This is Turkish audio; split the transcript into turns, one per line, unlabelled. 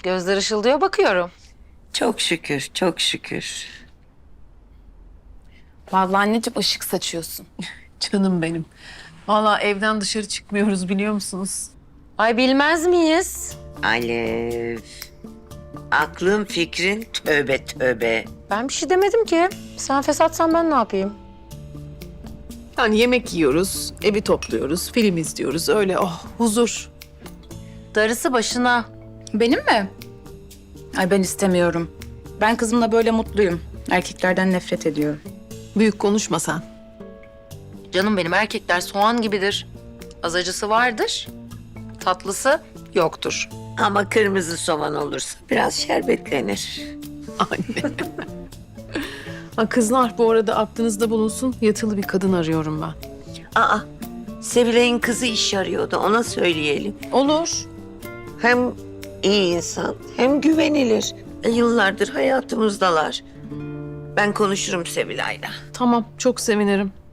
Gözler ışıldıyor bakıyorum.
Çok şükür, çok şükür.
Vallahi anneciğim ışık saçıyorsun.
Canım benim. Vallahi evden dışarı çıkmıyoruz biliyor musunuz?
Ay bilmez miyiz?
Alev. Aklın fikrin tövbe tövbe.
Ben bir şey demedim ki. Sen fesatsan ben ne yapayım?
Yani yemek yiyoruz, evi topluyoruz, film izliyoruz. Öyle huzur.
Darısı başına.
Benim mi? Ay ben istemiyorum. Ben kızımla böyle mutluyum. Erkeklerden nefret ediyorum.
Büyük konuşma sen.
Canım benim erkekler soğan gibidir. Az acısı vardır. Tatlısı yoktur.
Ama kırmızı soğan olursa biraz şerbetlenir.
Anne. Ha, kızlar bu arada aklınızda bulunsun. Yatılı bir kadın arıyorum ben.
Aa, Sevilay'ın kızı iş arıyordu, ona söyleyelim.
Olur.
Hem iyi insan, hem güvenilir. Yıllardır hayatımızdalar. Ben konuşurum Sevilay'la.
Tamam, çok sevinirim.